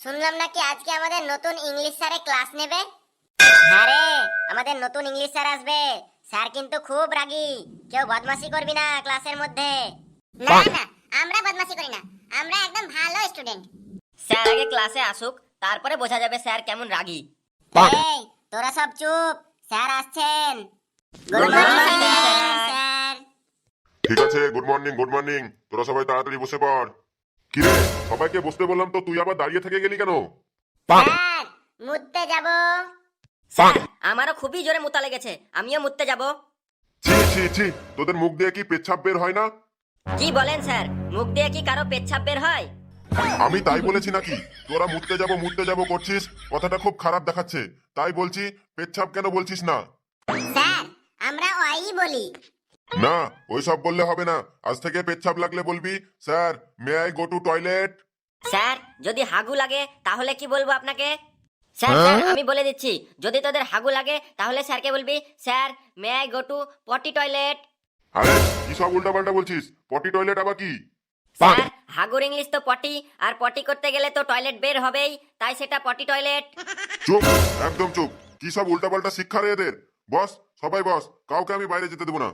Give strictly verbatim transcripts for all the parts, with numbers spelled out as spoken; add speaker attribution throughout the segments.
Speaker 1: শুনলাম নাকি আজকে আমাদের নতুন ইংলিশ স্যারে ক্লাস নেবে। হ্যাঁ রে, আমাদের নতুন ইংলিশ স্যার আসবে। স্যার কিন্তু খুব রাগী, কেউ বদমাশি করবি না ক্লাসের মধ্যে। না না, আমরা বদমাশি করি না, আমরা একদম ভালো স্টুডেন্ট।
Speaker 2: স্যার আগে ক্লাসে আসুক, তারপরে বোঝা যাবে স্যার কেমন রাগী।
Speaker 1: এই তোরা সব চুপ, স্যার আসছেন। Good
Speaker 2: Good
Speaker 1: morning
Speaker 2: morning,
Speaker 1: sir.
Speaker 2: sir.
Speaker 1: Sir
Speaker 3: ঠিক আছে, গুড মর্নিং গুড মর্নিং। তোরা সবাই তাড়াতাড়ি বসে পড়। কি রে, সবাইকে বসতে বললাম তো তুই আবার দাঁড়িয়ে থেকে গেলি কেন?
Speaker 1: স্যার মুততে যাব।
Speaker 2: স্যার আমারও খুবই জোরে মুতা লেগেছে, আমিও মুততে যাব।
Speaker 3: ছি ছি ছি, তোদের মুখ দিয়ে কি পেচ্ছাপ বের হয় না?
Speaker 2: কি বলেন স্যার, মুখ দিয়ে কি কারো পেচ্ছাপ বের হয়?
Speaker 3: আমি তাই বলেছি নাকি? তোরা মুততে যাব মুততে যাব করছিস, কথাটা খুব খারাপ দেখাচ্ছে। তাই বলছি, পেচ্ছাপ কেন বলছিস না?
Speaker 1: স্যার আমরা ওই বলি।
Speaker 3: না, ওইসব বললে হবে না। আজ থেকে পেচ্ছাপ লাগলে বলবি, sir may I go to toilet.
Speaker 2: Sir যদি হাগু লাগে তাহলে কি বলবো আপনাকে? স্যার স্যার আমি বলে দিচ্ছি, যদি তোদের হাগু লাগে তাহলে স্যারকে বলবি, sir may I go to potty toilet.
Speaker 3: আরে কি সব উল্টাপাল্টা বলছিস? পটি টয়লেট আবার কি?
Speaker 2: স্যার হাগুর ইংলিশ তো পটি, আর পটি করতে গেলে তো টয়লেট বের হবেই, তাই সেটা পটি টয়লেট।
Speaker 3: চুপ, একদম চুপ। কি সব উল্টাপাল্টা শিক্ষা রে এদের। বস, সবাই বস, কাউকে আমি বাইরে যেতে দেবো না।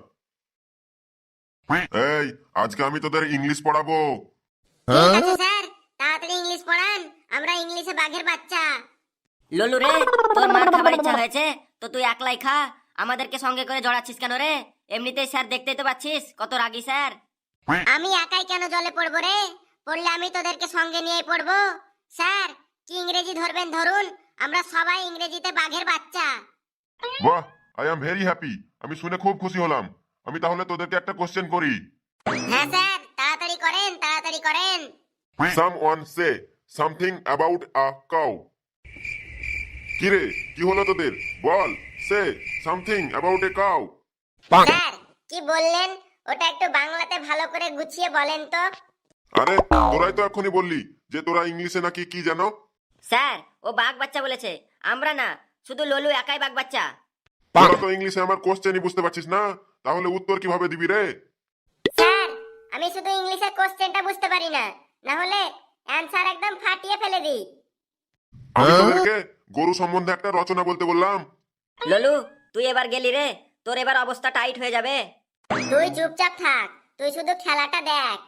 Speaker 3: এই, আজকে আমি তোদের ইংলিশ পড়াবো।
Speaker 1: ঠিক আছে স্যার, তাড়াতাড়ি ইংলিশ পড়ান, আমরা ইংলিশে বাঘের বাচ্চা।
Speaker 2: ললু রে, তোর মার খাবার ইচ্ছা হয়েছে তো তুই একলাই খা, আমাদেরকে সঙ্গে করে জড়াচ্ছিস কেন রে? এমনিতেই স্যার দেখতেই তো পাচ্ছিস কত রাগী স্যার।
Speaker 1: আমি একাই কেন জলে পড়বো রে? পড়লে আমি তোদেরকে সঙ্গে নিয়ে পড়বো। স্যার কি ইংরেজি ধরবেন ধরুন, আমরা সবাই ইংরেজিতে বাঘের বাচ্চা।
Speaker 3: বাহ, আই এম ভেরি হ্যাপি। আমি শুনে খুব খুশি হলাম। আমি তাহলে তোদেরকে একটা কোশ্চেন করি।
Speaker 1: হ্যাঁ স্যার, তাড়াতাড়ি করেন তাড়াতাড়ি করেন।
Speaker 3: Someone say something about a cow. কি রে, কি হলো তোদের? বল, say something about a cow.
Speaker 1: Sir কি বললেন, ওটা একটু বাংলাতে ভালো করে গুছিয়ে বলেন তো।
Speaker 3: আরে তোরাই তো এখনই বললি যে তোরা ইংলিশে নাকি কি জানো।
Speaker 2: স্যার ও বাঘ বাচ্চা বলেছে, আমরা না, শুধু ললু একাই বাঘ বাচ্চা।
Speaker 3: তোরা তো ইংলিশে আমার কোশ্চেনই বুঝতে পারছিস না, তাহলে উত্তর কিভাবে দিবি রে?
Speaker 1: স্যার আমি শুধু ইংলিশে কোশ্চেনটা বুঝতে পারি না, না হলে অ্যানসার একদম ফাটিয়ে ফেলে দিই।
Speaker 3: আমি তোদেরকে গরু সম্বন্ধে একটা রচনা বলতে বললাম।
Speaker 2: ললু তুই এবার গেলি রে, তোর এবার অবস্থা টাইট হয়ে যাবে।
Speaker 1: তুই চুপচাপ থাক, তুই শুধু খেলাটা দেখ।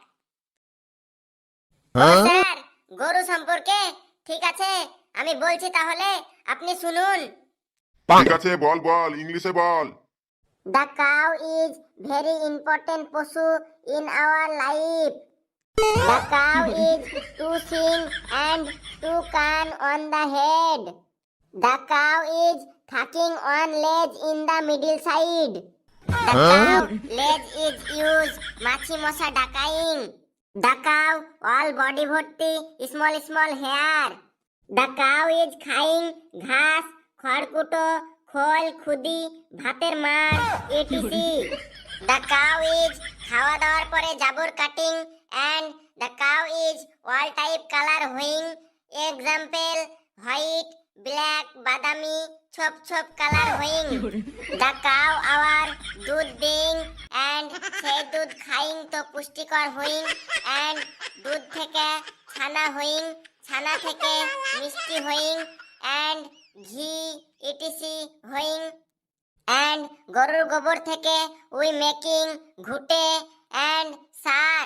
Speaker 1: ও স্যার, গরু সম্পর্কে? ঠিক আছে আমি বলছি তাহলে, আপনি শুনুন।
Speaker 3: ঠিক আছে, বল বল, ইংলিশে বল।
Speaker 1: The cow is very important পশু in our life. The cow is two shin and two can on the head. The cow is tucking one leg in the middle side. The cow leg is used মাছি মশা ডাকাইং. The cow all body ভর্তি small small hair. The cow is খাইং ঘাস, খড়কুটো, খোল, খুদি, ভাতের মার, ইটিসি. The cow is খাওয়া দাওয়ার পরে জাবর কাটিং and the cow is all type color হইং. Example white, black, বাদামি, ছোপ ছোপ কালার হইং. The cow our দুধ দিং and সেই দুধ খাইং তো পুষ্টিকর হইং and দুধ থেকে ছানা হইং, ছানা থেকে মিষ্টি হইং and ঘি ইটিসি হইং and গরুর গোবর থেকে উই মেকিং ঘুটে and সার.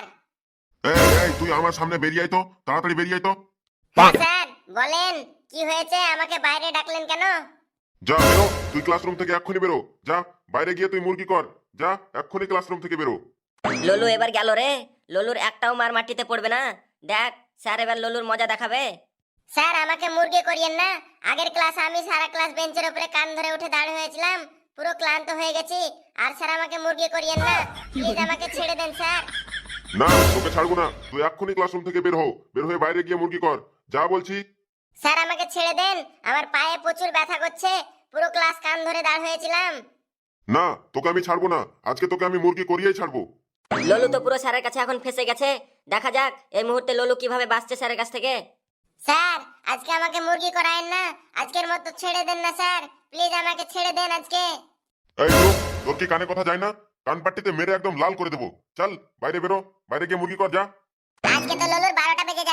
Speaker 3: এই এই, তুই আমার সামনে বেরিয়ে আয় তো, তাড়াতাড়ি বেরিয়ে আয় তো।
Speaker 1: স্যার বলেন কি হয়েছে, আমাকে বাইরে ডাকলেন কেন?
Speaker 3: যা বেরো, তুই ক্লাসরুম থেকে এক্ষুনি বেরো। যা, বাইরে গিয়ে তুই মুরগি কর। যা, এক্ষুনি ক্লাসরুম থেকে বেরো।
Speaker 2: ললু এবার গেল রে, ললুর একটাও মার মাটিতে পড়বে না। দেখ স্যার এবার ললুর মজা দেখাবে।
Speaker 1: স্যার আমাকে মুরগি করিয়েন না, আগের ক্লাসে আমি সারা ক্লাস বেঞ্চের উপরে কান ধরে উঠে দাঁড়িয়ে হয়েছিলাম, পুরো ক্লান্ত হয়ে গেছি। আর স্যার আমাকে মুরগি করিয়েন না, প্লিজ আমাকে ছেড়ে দেন স্যার।
Speaker 3: না, তোকে ছাড়বো না। তুই এক্ষুনি ক্লাসরুম থেকে বের হও, বের হয়ে বাইরে গিয়ে মুরগি কর। যা বলছি।
Speaker 1: স্যার আমাকে ছেড়ে দেন, আমার পায়ে প্রচুর ব্যথা করছে, পুরো ক্লাস কান ধরে দাঁড় হয়েছিলাম।
Speaker 3: না, তোকে আমি ছাড়বো না। আজকে তোকে আমি মুরগি করিয়েই ছাড়বো।
Speaker 2: ললু তো পুরো স্যারের কাছে এখন ফেসে গেছে, দেখা যাক এই মুহূর্তে ললু কিভাবে বাঁচছে স্যারের কাছ থেকে।
Speaker 1: স্যার আজকে আমাকে মুরগি করায়েন না, আজকের মতো ছেড়ে দেন না স্যার, প্লিজ আমাকে ছেড়ে দেন আজকে।
Speaker 3: এই লোক, তোর কি কানে কথা যায় না? কান পাট্টিতে মেরে একদম লাল করে দেবো। চল বাইরে বেরো, বাইরে গিয়ে মুরগি কর, যা।
Speaker 1: আজকে তো ললুর বারোটা বেজে যাবে,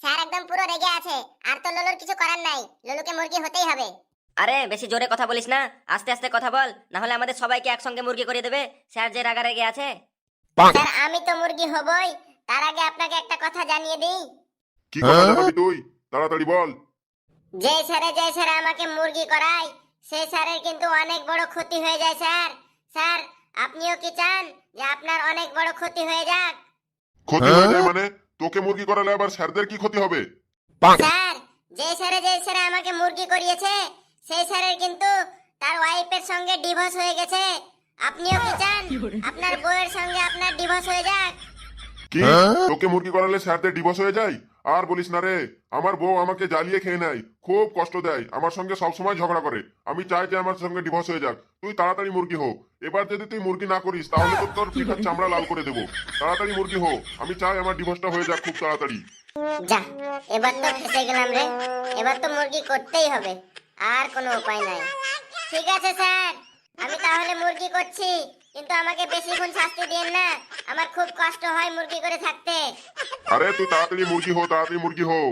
Speaker 1: স্যার একদম পুরো রেগে আছে, আর তো ললুর কিছু করার নাই, ললুকে মুরগি হতেই হবে।
Speaker 2: আরে বেশি জোরে কথা বলিস না, আস্তে আস্তে কথা বল, না হলে আমাদের সবাইকে একসঙ্গে মুরগি করে দেবে স্যার যে রাগা রেগে আছে।
Speaker 1: স্যার আমি তো মুরগি হবই, তার আগে আপনাকে একটা কথা জানিয়ে দিই।
Speaker 3: কি কথা জানাবি তুই? তাড়াতাড়ি বল।
Speaker 1: যে স্যারে যে স্যারে আমাকে মুরগি করায়, সেই স্যারের কিন্তু অনেক বড় ক্ষতি হয়ে যায় স্যার। স্যার আপনিও কি চান যে আপনার অনেক বড় ক্ষতি হয়ে যাক?
Speaker 3: ক্ষতি হয়ে যায় মানে? তোকে মুরগি করালে আবার স্যারদের কি ক্ষতি হবে?
Speaker 1: স্যার যে স্যারে যে স্যারে আমাকে মুরগি করিয়েছে, সেই স্যারের কিন্তু তার ওয়াইফের সঙ্গে ডিভোর্স হয়ে গেছে। আপনিও কি চান আপনার বউয়ের সঙ্গে আপনার ডিভোর্স হয়ে যাক?
Speaker 3: কি তোকে মুরগি করালে স্যারদের ডিভোর্স হয়ে যায়? আর বলিস না রে, আমার বউ আমাকে জ্বালিয়ে খেয়ে নেয়, খুব কষ্ট দেয়, আমার সঙ্গে সবসময় ঝগড়া করে। আমি চাই যে আমার সঙ্গে ডিভোর্স হয়ে যাক। তুই তাড়াতাড়ি মুরগি হো। এবার যদি তুই মুরগি না করিস তাহলে তো তোর পিঠার চামড়া লাল করে দেবো। তাড়াতাড়ি মুরগি হো, আমি চাই আমার ডিভোর্সটা হয়ে যাক খুব তাড়াতাড়ি।
Speaker 1: যা, এবার তো ফেসে গেলাম রে, এবার তো মুরগি করতেই হবে, আর কোনো উপায় নাই। ঠিক আছে স্যার, আমি তাহলে মুরগি করছি, কিন্তু আমাকে বেশিক্ষণ শাস্তি দিন না, আমার খুব কষ্ট হয় মুরগি করে থাকতে।
Speaker 3: আরে তুই তাড়াতাড়ি মুরগি হো, তাড়াতাড়ি মুরগি হো।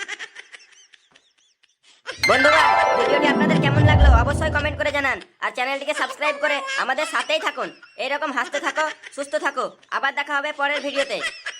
Speaker 2: বন্ধুরা ভিডিওটি আপনাদের কেমন লাগলো অবশ্যই কমেন্ট করে জানান, আর চ্যানেলটিকে সাবস্ক্রাইব করে আমাদের সাথেই থাকুন। এইরকম হাসতে থাকো, সুস্থ থাকো, আবার দেখা হবে পরের ভিডিওতে।